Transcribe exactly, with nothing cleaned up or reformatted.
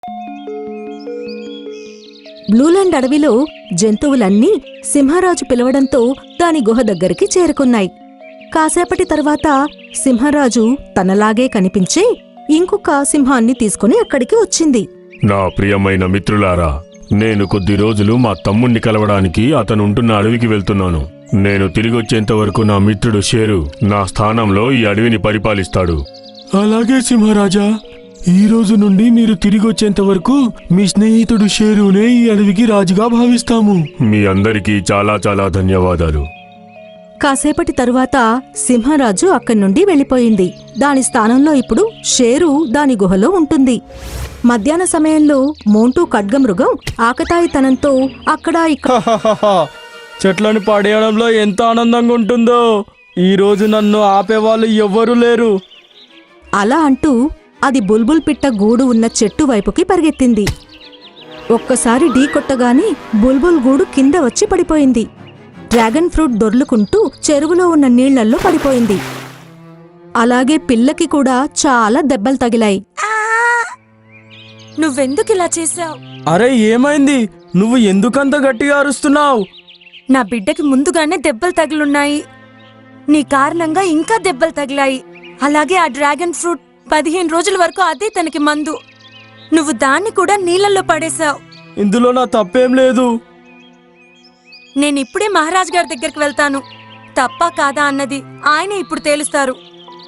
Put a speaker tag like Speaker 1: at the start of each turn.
Speaker 1: బ్లూలాండ్ అడవిలో జంతువులన్నీ సింహరాజు పిలవడంతో దాని గుహ దగ్గరికి చేరుకున్నాయి. కాసేపటి తర్వాత సింహరాజు తనలాగే కనిపించే ఇంకొక సింహాన్ని తీసుకుని అక్కడికి వచ్చింది.
Speaker 2: నా ప్రియమైన మిత్రులారా, నేను కొద్ది రోజులు మా తమ్ముణ్ణి కలవడానికి అతనుంటున్న అడవికి వెళ్తున్నాను. నేను తిరిగొచ్చేంత వరకు నా మిత్రుడు షేరు నా స్థానంలో ఈ అడవిని పరిపాలిస్తాడు. అలాగే సింహరాజా, ఈ రోజు నుండి మీరు తిరిగొచ్చేంత వరకు మీ స్నేహితుడు షేరునే ఈ అడవికి రాజుగా భావిస్తాము. మీ అందరికీ చాలా చాలా ధన్యవాదాలు.
Speaker 1: కాసేపటి తరువాత సింహరాజు అక్కడి నుండి వెళ్ళిపోయింది. దాని స్థానంలో ఇప్పుడు షేరు దాని గుహలో ఉంటుంది. మధ్యాహ్న సమయంలో మోంటూ ఖడ్గమృగం ఆకతాయితనంతో అక్కడ ఇక్కడ
Speaker 3: చెట్లను పడేయడంలో ఎంత ఆనందంగా ఉంటుందో. ఈ రోజు నన్ను ఆపేవాళ్ళు ఎవ్వరూ లేరు.
Speaker 1: అలా అంటూ అది బుల్బుల్ పిట్ట గూడు ఉన్న చెట్టు వైపుకి పరిగెత్తింది. ఒక్కసారి ఢీ కొట్టగానే బుల్బుల్ గూడు కింద వచ్చి పడిపోయింది. డ్రాగన్ ఫ్రూట్ దొర్లుకుంటూ చెరువులో ఉన్న నీళ్లల్లో పడిపోయింది. అలాగే పిల్లకి కూడా చాలా దెబ్బలు తగిలాయి.
Speaker 4: నువ్వెందుకిలా చేశావు?
Speaker 3: అరే ఏమైంది? నువ్వు ఎందుకంత గట్టిగా అరుస్తున్నావు?
Speaker 4: నా బిడ్డకి ముందుగానే దెబ్బలు తగిలున్నాయి. నీ కారణంగా ఇంకా దెబ్బలు తగిలాయి. అలాగే ఆ డ్రాగన్ ఫ్రూట్ పదిహేను రోజుల వరకు అదే తనకి మందు. నువ్వు దాన్ని కూడా నీళ్ళల్లో పడేశావు.
Speaker 3: ఇందులో నా తప్పేం లేదు.
Speaker 4: నేనిప్పుడే మహారాజ్ గారి దగ్గరికి వెళ్తాను. తప్పా కాదా అన్నది ఆయన ఇప్పుడు తేలుస్తారు.